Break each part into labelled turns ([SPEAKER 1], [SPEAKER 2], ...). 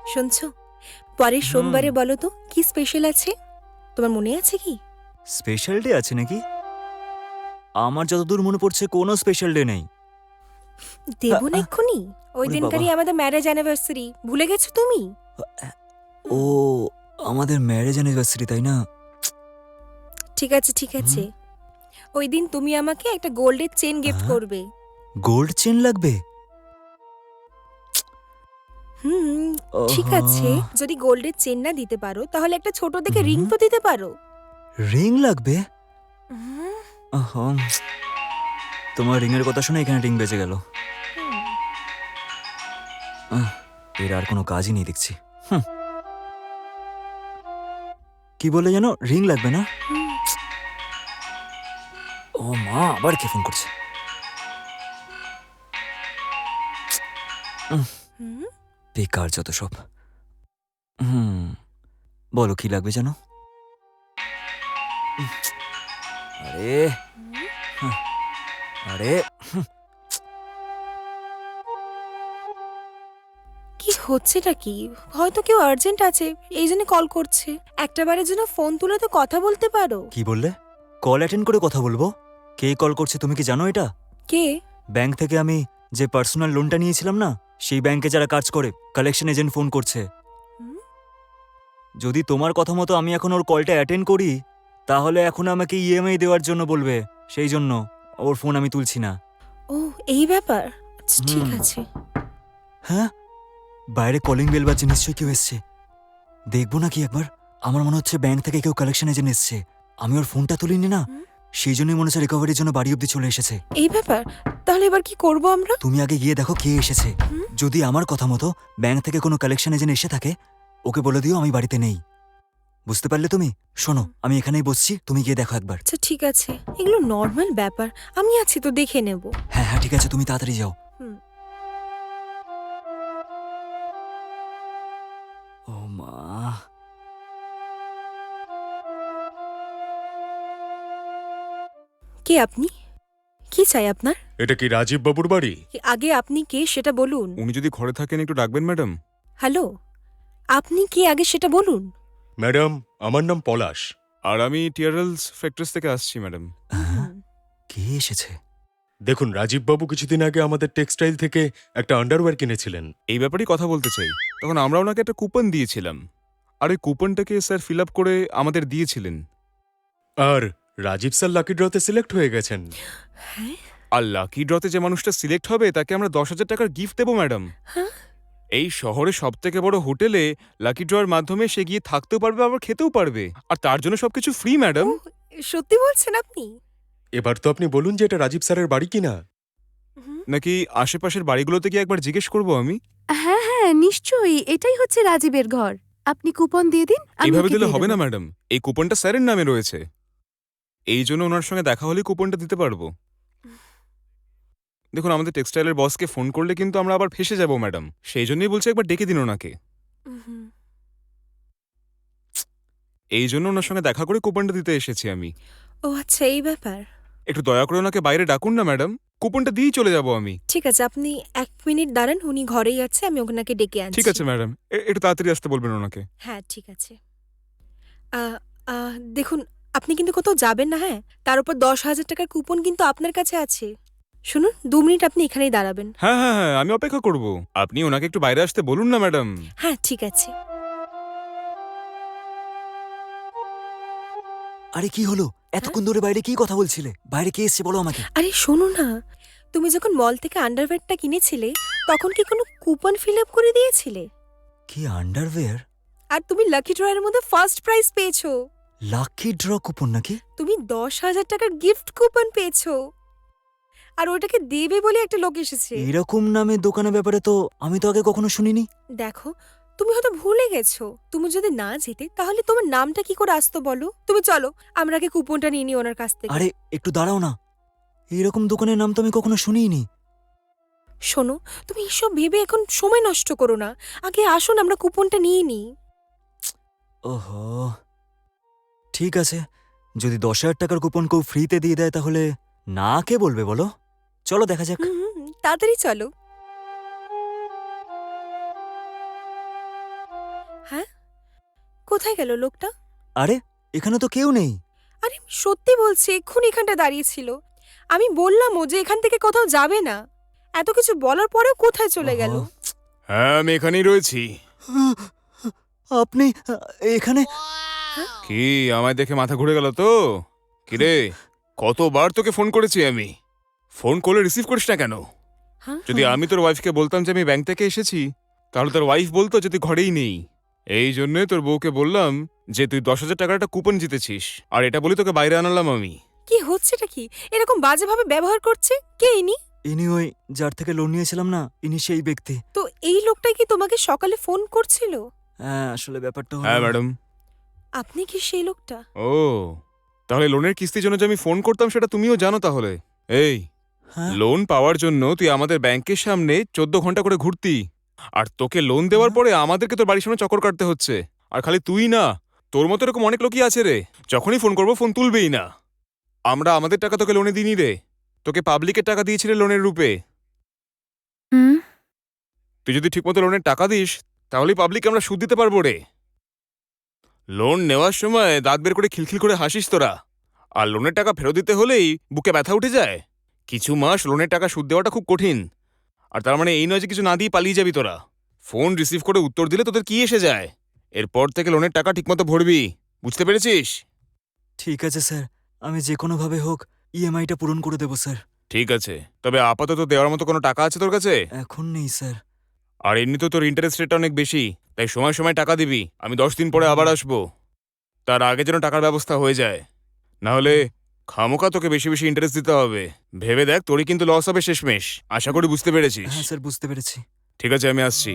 [SPEAKER 1] শুনছো, পরের সোমবারে বলো তো কি স্পেশাল আছে? তোমার মনে আছে কি?
[SPEAKER 2] স্পেশাল ডে আছে নাকি? আমার যতদূর মনে পড়ছে কোনো স্পেশাল ডে নেই।
[SPEAKER 1] দেব না এক্ষুনি? ওই
[SPEAKER 2] ওরে
[SPEAKER 1] দিনকারই
[SPEAKER 2] বাবা।
[SPEAKER 1] আমাদের ম্যারেজ অ্যানিভার্সারি, ভুলে গেছো তুমি?
[SPEAKER 2] ও, আমাদের ম্যারেজ অ্যানিভার্সারি তাই না?
[SPEAKER 1] ঠিক আছে ঠিক আছে, ওই দিন তুমি আমাকে একটা গোল্ডের চেন গিফট করবে।
[SPEAKER 2] গোল্ড চেন লাগবে?
[SPEAKER 1] হুম, ঠিক
[SPEAKER 2] ওহো,
[SPEAKER 1] আছে। যদি গোল্ডের চেন না দিতে পারো তাহলে একটা ছোট দেখে রিং তো দিতে পারো।
[SPEAKER 2] রিং লাগবে?
[SPEAKER 1] হুম,
[SPEAKER 2] ওহো, তোমার রিং এর কথা শুনে এখানে রিং বেজে গেল। এর আর কোনো কাজই নেই দেখছি। কি বলে যেন রিং লাগবে না? ও মা, আবার কে ফোন করছে?
[SPEAKER 1] হুম,
[SPEAKER 2] বেকার যত সব। বলো কি লাগবে যেন? আরে আরে
[SPEAKER 1] কি হচ্ছেটা কি? হয়তো কেউ আর্জেন্ট আছে, এই জন্য কল করছে। একটা বারের জন্য ফোন তুলে তো কথা বলতে পারো।
[SPEAKER 2] কি বললে? কল অ্যাটেন্ড করে কথা বলবো? কে কল করছে তুমি কি জানো এটা?
[SPEAKER 1] কে?
[SPEAKER 2] ব্যাংক থেকে আমি যে পার্সোনাল লোনটা নিয়েছিলাম না, সেই ব্যাংকে যারা কাজ করে কালেকশন এজেন্ট ফোন করছে।
[SPEAKER 1] হুম?
[SPEAKER 2] যদি তোমার কথা মতো আমি এখন ওর কলটা অ্যাটেন্ড করি, তাহলে এখন আমাকে ইএমআই দেওয়ার জন্য বলবে। সেই জন্য ওর ফোন আমি তুলছি না।
[SPEAKER 1] ও, এই ব্যাপার। আচ্ছা, ঠিক
[SPEAKER 2] হুম।
[SPEAKER 1] আছে।
[SPEAKER 2] হ্যাঁ, বাইরে কলিং বেল বাজছে, নিশ্চয়ই কেউ এসছে। দেখবো নাকি একবার? আমার মনে হচ্ছে ব্যাংক থেকে কেউ কালেকশন এজেন্ট এসছে। আমি ওর ফোনটা তুলিনি না,
[SPEAKER 1] হুম?
[SPEAKER 2] সেই জন্যই মনে হচ্ছে রিকভারির জন্য বাড়ি অব্দি চলে এসেছে।
[SPEAKER 1] এই ব্যাপার। তাহলে এবার কি করব আমরা?
[SPEAKER 2] তুমি আগে গিয়ে দেখো কে এসেছে।
[SPEAKER 1] হুম?
[SPEAKER 2] যদি আমার কথা মতো ব্যাংক থেকে কোনো কালেকশন এজেন্ট এসে থাকে, ওকে বলে দিও আমি বাড়িতে নেই। বুঝতে পারলে তুমি? শোনো, আমি এখানেই বসছি, তুমি গিয়ে দেখো একবার।
[SPEAKER 1] আচ্ছা, ঠিক আছে। এগুলো নর্মাল ব্যাপার, আমি আছি তো, দেখে নেব।
[SPEAKER 2] হ্যাঁ হ্যাঁ, ঠিক আছে, তুমি তাড়াতাড়ি যাও।
[SPEAKER 1] হুম।
[SPEAKER 2] ও মা,
[SPEAKER 1] কে আপনি? কি চাই আপনার?
[SPEAKER 3] এটা কি রাজীব বাবুর বাড়ি?
[SPEAKER 1] আগে আপনি কে সেটা বলুন।
[SPEAKER 3] উনি যদি ঘরে থাকেন একটু ডাকবেন ম্যাডাম।
[SPEAKER 1] হ্যালো, আপনি কে আগে সেটা বলুন।
[SPEAKER 3] ম্যাডাম, আমার নাম পলাশ আর আমি টিয়ারেলস ফ্যাক্টরিজ থেকে আসছি ম্যাডাম।
[SPEAKER 1] হুম।
[SPEAKER 2] কে এসেছে?
[SPEAKER 3] দেখুন, রাজীব বাবু কিছুদিন আগে আমাদের টেক্সটাইল থেকে একটা আন্ডারওয়্যার কিনেছিলেন। এই ব্যাপারেই কথা বলতে চাই। তখন আমরা ওনাকে একটা কুপন দিয়েছিলাম, আর ওই কুপনটাকে স্যার ফিল আপ করে আমাদের দিয়েছিলেন। আর রাজীব স্যার লাকি ড্রতে সিলেক্ট হয়ে গেছেন।
[SPEAKER 1] হ্যাঁ?
[SPEAKER 3] আর লাকি ড্রতে যে মানুষটা সিলেক্ট হবে তাকে আমরা 10,000 টাকার গিফট দেবো ম্যাডাম।
[SPEAKER 1] হ্যাঁ?
[SPEAKER 3] এই শহরে সবথেকে বড় হোটেলে লাকি ড্রয়ের মাধ্যমে সে গিয়ে থাকতেও পারবে, আবার খেতেও পারবে, আর তার জন্য সবকিছু ফ্রি ম্যাডাম।
[SPEAKER 1] ও, সত্যি বলছেন আপনি?
[SPEAKER 3] এবার তো আপনি বলুন যে এটা রাজীব স্যারের বাড়ি কিনা,
[SPEAKER 1] হুম।
[SPEAKER 3] নাকি আশেপাশের বাড়িগুলোতে গিয়ে একবার জিজ্ঞেস করবো আমি।
[SPEAKER 4] হ্যাঁ হ্যাঁ, নিশ্চয়ই এটাই হচ্ছে রাজীবের ঘর। আপনি কুপন দিয়ে দিন, আমি
[SPEAKER 3] এইভাবে
[SPEAKER 4] ওকে
[SPEAKER 3] দিলে
[SPEAKER 4] দিয়ে
[SPEAKER 3] হবে
[SPEAKER 4] দেব।
[SPEAKER 3] না ম্যাডাম, এই কুপনটা স্যারের নামে রয়েছে। এই জন্য ওনার সঙ্গে দেখা হলেই কুপনটা দিতে পারবো। দেখুন, আমাদের টেক্সটাইলের বসকে ফোন করলে কিন্তু আমরা আবার ফেসে যাব ম্যাডাম, সেই জন্যই বলছি একবার ডেকে দিন ওনাকে।
[SPEAKER 1] হুম।
[SPEAKER 3] এই জন্য ওনার সঙ্গে দেখা করে কুপনটা দিতে এসেছি আমি।
[SPEAKER 1] ও আচ্ছা, এই ব্যাপার।
[SPEAKER 3] একটু দয়া করে ওনাকে বাইরে ডাকুন না ম্যাডাম, কুপনটা দিয়েই চলে যাব আমি।
[SPEAKER 1] ঠিক আছে, আপনি 1 মিনিট দাঁড়ান, উনি ঘরেই আছে, আমি ওনাকে ডেকে আনছি।
[SPEAKER 3] ঠিক আছে ম্যাডাম, একটু তাড়াতাড়ি আসতে বলবেন ওনাকে।
[SPEAKER 1] হ্যাঁ, ঠিক আছে। দেখুন, আপনি কিন্তু কোথাও যাবেন না, হ্যাঁ? তার উপর 10,000 টাকার কুপন কিন্তু আপনার কাছে আছে। শুনুন, 2 মিনিট আপনি এখানেই দাঁড়াবেন।
[SPEAKER 3] হ্যাঁ হ্যাঁ হ্যাঁ, আমি অপেক্ষা করব। আপনি ওনাকে একটু বাইরে আসতে বলুন না ম্যাডাম।
[SPEAKER 1] হ্যাঁ, ঠিক আছে।
[SPEAKER 2] আরে কি হলো?
[SPEAKER 1] হ্যাঁ?
[SPEAKER 2] এতক্ষণ ধরে বাইরে কি কথা বলছিলে? বাইরে কে এসছে বলো আমাকে।
[SPEAKER 1] আরে শোনো না, তুমি যখন মল থেকে আন্ডারওয়্যারটা কিনেছিলে, তখন কি কোনো কুপন ফিল আপ করে দিয়েছিলে?
[SPEAKER 2] কি আন্ডারওয়্যার?
[SPEAKER 1] আর তুমি লাকি ড্রয়ের মধ্যে ফার্স্ট প্রাইজ পেয়েছো।
[SPEAKER 2] লাকি ড্র কুপন নাকি?
[SPEAKER 1] তুমি 10,000 টাকার গিফট কুপন পেয়েছো। আর ওটাকে দেবে বলে একটা লোক এসেছে।
[SPEAKER 2] এরকম নামে দোকানের ব্যাপারে তো আমি তো আগে কখনো শুনিনি।
[SPEAKER 1] দেখো, তুমি হয়তো ভুলে গেছো। তুমি যদি না যেতে তাহলে তোমার নামটা কি করে আসতো বলো? তুমি চলো, আমরা আগে কুপনটা নিয়ে নিই ওনার কাছ থেকে।
[SPEAKER 2] আরে একটু দাঁড়াও না, এরকম দোকানের নাম তো আমি কখনো শুনিনি।
[SPEAKER 1] শোনো, তুমি এসব ভেবে এখন সময় নষ্ট করো না। আগে আসুন, আমরা কুপনটা নিয়ে নিই।
[SPEAKER 2] ওহো, ঠিক আছে, যদি 10,000 টাকার কুপন কেউ ফ্রিতে দিয়ে দেয় তাহলে না কে বলবে বলো? চলো দেখা যাক।
[SPEAKER 1] হুম, তাড়াতাড়ি চলো। হ্যাঁ, কোথায় গেল লোকটা?
[SPEAKER 2] আরে এখানে তো কেউ নেই।
[SPEAKER 1] আরে সত্যি বলছি, এক্ষুনি এখানটা দাঁড়িয়েছিল। আমি বললামও যে এখান থেকে কোথাও যাবে না। এত কিছু বলার পরেও কোথায় চলে গেল?
[SPEAKER 2] ওহো।
[SPEAKER 3] হ্যাঁ, আমি এখানেই রয়েছি।
[SPEAKER 2] আপনি এখানে?
[SPEAKER 3] কি আমায় দেখে মাথা ঘুরে গেল তো? কিরে, কতবার তোকে ফোন করেছি আমি, ফোন করলে রিসিভ করিস না কেন?
[SPEAKER 1] হ্যাঁ?
[SPEAKER 3] যদি আমি তোর ওয়াইফকে বলতাম যে আমি ব্যাংক থেকে এসেছি, তাহলে তোর ওয়াইফ বলতো যে তুই ঘরেই নেই। এই জন্য তোর বউকে বললাম যে তুই 10,000 টাকার একটা কুপন জিতেছিস, আর এটা বলি তোকে বাইরে আনালাম আমি।
[SPEAKER 1] কি হচ্ছেটা কি? এরকম বাজেভাবে ব্যবহার করছে কে ইনি?
[SPEAKER 2] ইনি ওই যার থেকে লোন নিয়েছিলাম না, ইনি সেই ব্যক্তি।
[SPEAKER 1] তো এই লোকটাই কি তোমাকে সকালে ফোন করছিল?
[SPEAKER 2] হ্যাঁ, আসলে ব্যাপারটা হলো-
[SPEAKER 3] হ্যাঁ ম্যাডাম।
[SPEAKER 1] আপনি কি সেই লোকটা?
[SPEAKER 3] ও, তাহলে লোনের কিস্তির জন্য যে আমি ফোন করতাম সেটা তুমিও জানো তাহলে? এই,
[SPEAKER 2] হ্যাঁ?
[SPEAKER 3] লোন পাওয়ার জন্য তুই আমাদের ব্যাংকের সামনে 14 ঘন্টা করে ঘুরতি, আর তোকে লোন দেওয়ার পরে আমাদেরকে তোর বাড়ির সামনে চক্কর কাটতে হচ্ছে। আর খালি তুই না, তোর মতো এরকম অনেক লোকই আছে রে, যখনই ফোন করবো ফোন তুলবেই না। আমরা আমাদের টাকা তোকে লোনে দিইনি রে, তোকে পাবলিকের টাকা দিয়েছিলে লোনের রূপে।
[SPEAKER 4] হুম।
[SPEAKER 3] তুই যদি ঠিকমতো লোনের টাকা দিস, তাহলেই পাবলিককে আমরা সুদ দিতে পারবো রে। লোন নেওয়ার সময় দাঁত বের করে খিলখিল করে হাসিস তোরা, আর লোনের টাকা ফেরত দিতে হলেই বুকে ব্যথা উঠে যায়। কিছু মাস লোনের টাকা সুদ দেওয়াটা খুব কঠিন, আর তার মানে এই নয় যে কিছু না দিয়ে পালিয়ে যাবি তোরা। ফোন রিসিভ করে উত্তর দিলে তোদের কি এসে যায়? এরপর থেকে লোনের টাকা ঠিকমতো ভরবি, বুঝতে পেরেছিস?
[SPEAKER 2] ঠিক আছে স্যার, আমি যে কোনোভাবে হোক ইএমআইটা পূরণ করে দেবো স্যার।
[SPEAKER 3] ঠিক আছে, তবে আপাতত দেওয়ার মতো কোনো টাকা আছে তোর কাছে?
[SPEAKER 2] এখন নেই স্যার।
[SPEAKER 3] আর এমনিতেও তোর ইন্টারেস্ট রেটটা অনেক বেশি, তাই সময় সময় টাকা দিবি। আমি 10 দিন পরে আবার আসবো, তার আগে যেন টাকার ব্যবস্থা হয়ে যায়, না হলে খামোকা তোকে বেশি বেশি ইন্টারেস্ট দিতে হবে। ভেবে দেখ, তোরই কিন্তু লস হবে শেষমেশ। আশা করি বুঝতে পেরেছিস।
[SPEAKER 2] হ্যাঁ স্যার, বুঝতে পেরেছি।
[SPEAKER 3] ঠিক আছে, আমি আসছি।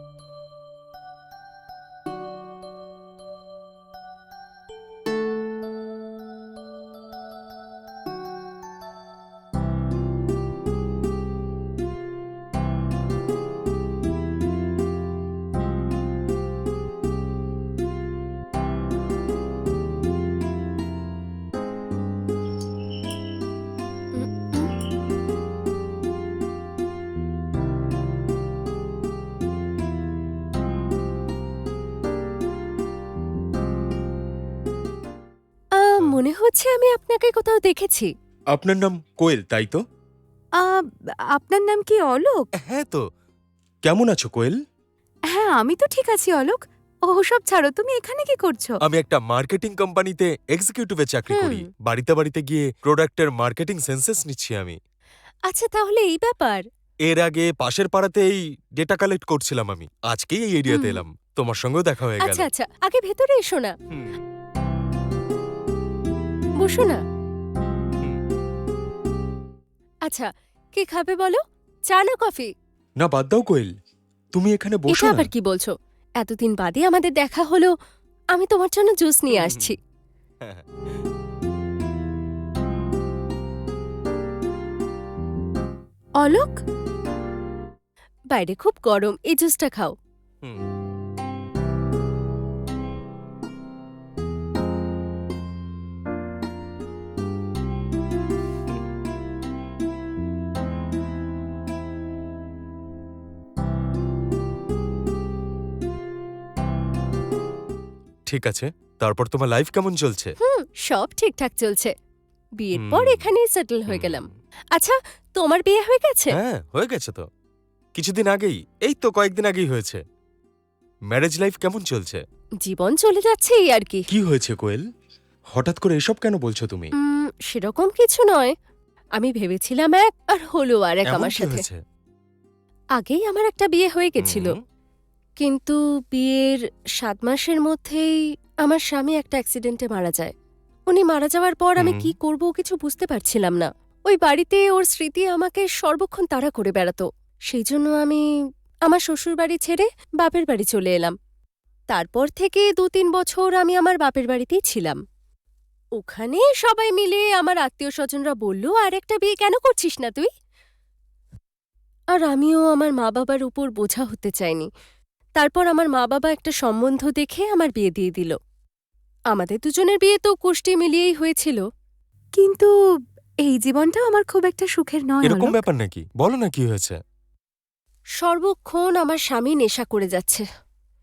[SPEAKER 4] মনে হচ্ছে আমি আপনাকে কোথাও দেখেছি।
[SPEAKER 5] আপনার নাম কোয়েল, তাই তো?
[SPEAKER 4] আ, আপনার নাম কি অলোক?
[SPEAKER 5] হ্যাঁ তো। কেমন আছো কোয়েল?
[SPEAKER 4] হ্যাঁ, আমি তো ঠিক আছি অলোক। ওসব ছাড়ো, তুমি এখানে কি করছো?
[SPEAKER 5] আমি একটা মার্কেটিং কোম্পানিতে এক্সিকিউটিভে চাকরি
[SPEAKER 4] হুম।
[SPEAKER 5] করি। বাড়িতে বাড়িতে গিয়ে প্রোডাক্টের মার্কেটিং সেন্সাস নিচ্ছি আমি।
[SPEAKER 4] আচ্ছা, তাহলে এই ব্যাপার।
[SPEAKER 5] এর আগে পাশের পাড়াতেই ডেটা কালেক্ট করছিলাম আমি। আজকেই এই এরিয়াতে
[SPEAKER 4] হুম।
[SPEAKER 5] এলাম, তোমার সঙ্গেও দেখা হয়ে গেল।
[SPEAKER 4] আচ্ছা আচ্ছা, আগে ভেতরে এসো না,
[SPEAKER 5] হুম,
[SPEAKER 4] বসো না।
[SPEAKER 5] হুম।
[SPEAKER 4] আচ্ছা, কি খাবে বলো? চা না কফি?
[SPEAKER 5] না, বাদ দাও কোয়েল, তুমি এখানে
[SPEAKER 4] এটা
[SPEAKER 5] বসো না।
[SPEAKER 4] আবার কি বলছো? এতদিন বাদে আমাদের দেখা হলো, আমি তোমার জন্য জুস নিয়ে
[SPEAKER 5] হুম,
[SPEAKER 4] আসছি।
[SPEAKER 5] হ্যাঁ, হ্যাঁ।
[SPEAKER 4] অলোক, বাইরে খুব গরম, এই জুসটা খাও।
[SPEAKER 5] হুম। ঠিক আছে, তারপর তোমার লাইফ কেমন চলছে?
[SPEAKER 4] সব ঠিকঠাক চলছে। বিয়ের পর
[SPEAKER 5] হুম।
[SPEAKER 4] এখানেই সেটেল হয়ে গেলাম। আচ্ছা, তোমার বিয়ে হয়ে গেছে?
[SPEAKER 5] হ্যাঁ, হয়ে গেছে তো। কিছুদিন আগেই, এই তো কয়েকদিন আগেই হয়েছে। ম্যারেজ লাইফ কেমন চলছে?
[SPEAKER 4] জীবন চলে যাচ্ছে এই আর কি।
[SPEAKER 5] কি হয়েছে কোয়েল? হঠাৎ করে এসব কেন বলছো তুমি?
[SPEAKER 4] সেরকম কিছু নয়। আমি ভেবেছিলাম এক, আর হলো আর এক
[SPEAKER 5] এমন
[SPEAKER 4] আমার
[SPEAKER 5] কি
[SPEAKER 4] সাথে।
[SPEAKER 5] হয়েছে?
[SPEAKER 4] আগেই আমার একটা বিয়ে হয়ে গেছিল,
[SPEAKER 5] হুম,
[SPEAKER 4] কিন্তু বিয়ের 7 মাসের মধ্যেই আমার স্বামী একটা অ্যাক্সিডেন্টে মারা যায়। উনি মারা যাওয়ার পর আমি
[SPEAKER 5] হুম।
[SPEAKER 4] কি করব কিছু বুঝতে পারছিলাম না। ওই বাড়িতে ওর স্মৃতি আমাকে সর্বক্ষণ তাড়া করে বেড়াতো। সেই জন্য আমি আমার শ্বশুরবাড়ি ছেড়ে বাপের বাড়ি চলে এলাম। তারপর থেকে 2-3 বছর আমি আমার বাপের বাড়িতেই ছিলাম। ওখানে সবাই মিলে আমার আত্মীয় স্বজনরা বলল, আর একটা বিয়ে কেন করছিস না তুই? আর আমিও আমার মা বাবার উপর বোঝা হতে চাইনি। তারপর আমার মা বাবা একটা সম্বন্ধ দেখে আমার বিয়ে দিয়ে দিল। আমাদের দুজনের বিয়ে তো কুষ্টি মিলিয়েই হয়েছিল, কিন্তু এই জীবনটাও আমার খুব একটা সুখের নয়।
[SPEAKER 5] এরকম
[SPEAKER 4] অলোক।
[SPEAKER 5] ব্যাপার নাকি? বলো না কি হয়েছে।
[SPEAKER 4] সর্বক্ষণ আমার স্বামী নেশা করে যাচ্ছে।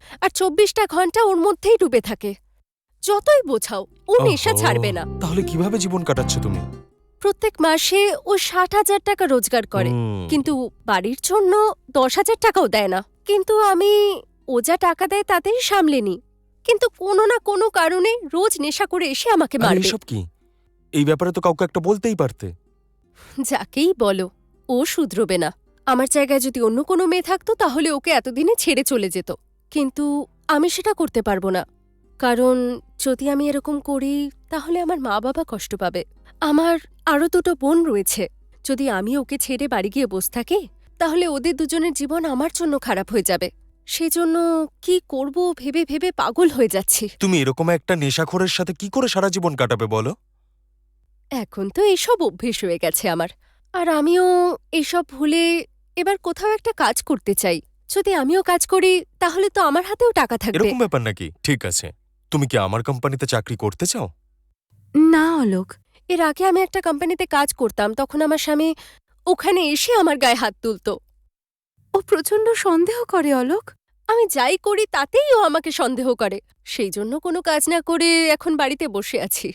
[SPEAKER 4] আর 24টা ঘন্টা ওর মধ্যেই ডুবে থাকে। যতই বোঝাও ও নেশা
[SPEAKER 5] ওহো,
[SPEAKER 4] ছাড়বে না।
[SPEAKER 5] তাহলে কিভাবে জীবন কাটাচ্ছ তুমি?
[SPEAKER 4] প্রত্যেক মাসে ও 60,000 টাকা রোজগার করে,
[SPEAKER 5] হুম,
[SPEAKER 4] কিন্তু বাড়ির জন্য 10,000 টাকাও দেয় না। কিন্তু আমি ও যা টাকা দেয় তাতেই সামলে নি, কিন্তু কোনো না কোনো কারণে রোজ নেশা করে এসে আমাকে
[SPEAKER 5] আর
[SPEAKER 4] মারবে।
[SPEAKER 5] এইসব কি? এই ব্যাপারে তো কাউকে একটা বলতেই পারতে।
[SPEAKER 4] যাকেই বলো, ও শুধরবে না। আমার জায়গায় যদি অন্য কোনো মেয়ে থাকতো তাহলে ওকে এতদিনে ছেড়ে চলে যেত, কিন্তু আমি সেটা করতে পারবো না। কারণ যদি আমি এরকম করি তাহলে আমার মা বাবা কষ্ট পাবে। আমার আরও 2টো বোন রয়েছে। যদি আমি ওকে ছেড়ে বাড়ি গিয়ে বসে থাকি তাহলে ওদের দুজনের জীবন আমার জন্য খারাপ হয়ে যাবে। সেজন্য কি করব ভেবে ভেবে পাগল হয়ে যাচ্ছি।
[SPEAKER 5] তুমি এরকম একটা নেশাখোরের সাথে কি করে সারা জীবন কাটাবে বলো?
[SPEAKER 4] এখন তো এইসব অভ্যেস হয়ে গেছে আমার, আর আমিও এইসব ভুলে এবার কোথাও একটা কাজ করতে চাই। যদি আমিও কাজ করি তাহলে তো আমার হাতেও টাকা থাকবে।
[SPEAKER 5] এরকম ব্যাপার নাকি? ঠিক আছে, তুমি কি আমার কোম্পানিতে চাকরি করতে চাও?
[SPEAKER 4] না অলোক, এর আগে আমি একটা কোম্পানিতে কাজ করতাম, তখন আমার স্বামী ওখানে এসে আমার গায়ে হাত তুলতো। ও প্রচণ্ড সন্দেহ করে অলোক। আমি যাই করি তাতেই ও আমাকে সন্দেহ করে। সেই জন্য কোনো কাজ না করে এখন বাড়িতে বসে আছি।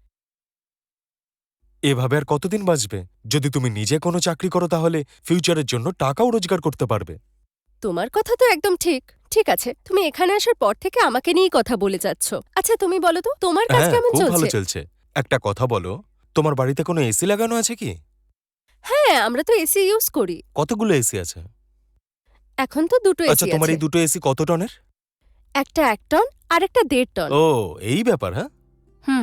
[SPEAKER 5] এভাবে আর কতদিন বাঁচবে? যদি তুমি নিজে কোনো চাকরি করো তাহলে ফিউচারের জন্য টাকাও রোজগার করতে পারবে।
[SPEAKER 4] তোমার কথা তো একদম ঠিক। ঠিক আছে, তুমি এখানে আসার পর থেকে আমাকে নিয়েই কথা বলে যাচ্ছ। আচ্ছা তুমি বলো তো, তোমার কাজ
[SPEAKER 5] হ্যাঁ,
[SPEAKER 4] কেমন
[SPEAKER 5] খুব ভালো
[SPEAKER 4] চলছে?
[SPEAKER 5] চলছে। একটা কথা বলো, তোমার বাড়িতে কোনো এসি লাগানো আছে কি?
[SPEAKER 4] হ্যাঁ, আমরা তো এসি ইউজ করি।
[SPEAKER 5] কতগুলো এসি আছে?
[SPEAKER 4] এখন তো 2টো
[SPEAKER 5] আচ্ছা,
[SPEAKER 4] এসি
[SPEAKER 5] তোমার
[SPEAKER 4] আছে।
[SPEAKER 5] এই দুটো এসি কত টনের?
[SPEAKER 4] একটা 1 টন আর একটা 1.5 টন।
[SPEAKER 5] ও, এই ব্যাপার। হ্যাঁ,
[SPEAKER 4] হুম।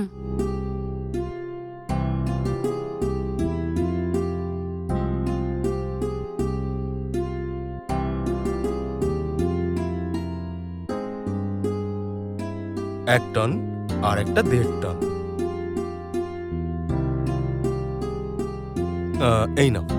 [SPEAKER 5] এক টন আর একটা 1.5 টন। এই নাও।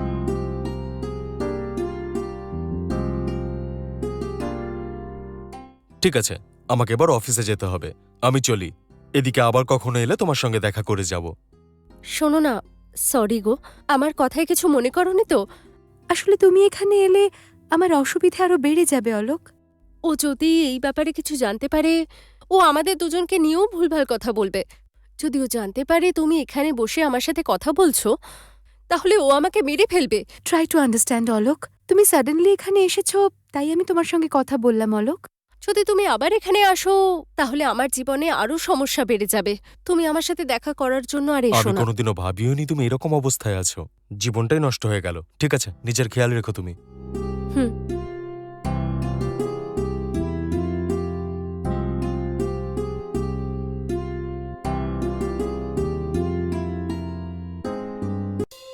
[SPEAKER 5] ঠিক আছে, আমাকে এবার অফিসে যেতে হবে। আমি চলি। এদিকে আবার কখনো এলে তোমার সঙ্গে দেখা করে যাব।
[SPEAKER 4] শোনো না, সরি গো, আমার কথায় কিছু মনে করনি তো?
[SPEAKER 6] আসলে তুমি এখানে এলে আমার অসুবিধা আরো বেড়ে যাবে অলোক।
[SPEAKER 4] ও যদি এই ব্যাপারে কিছু জানতে পারে, ও আমাদের দুজনকে নিয়েও ভুলভাল কথা বলবে। যদি ও জানতে পারে তুমি এখানে বসে আমার সাথে কথা বলছো, তাহলে ও আমাকে মেরে ফেলবে।
[SPEAKER 6] Try to understand Alok. তুমি সাডেনলি এখানে এসেছো, তাই আমি তোমার সঙ্গে কথা বললাম অলোক।
[SPEAKER 4] যদি তুমি আবার এখানে আসো তাহলে আমার জীবনে আরো সমস্যা বেড়ে যাবে। তুমি আমার সাথে দেখা করার জন্য আর এসো
[SPEAKER 5] আমি
[SPEAKER 4] না।
[SPEAKER 5] কোনোদিনও ভাবিওনি তুমি এরকম অবস্থায় আছো। জীবনটাই নষ্ট হয়ে গেল। ঠিক আছে, নিজের খেয়াল রেখো তুমি।
[SPEAKER 4] হুম।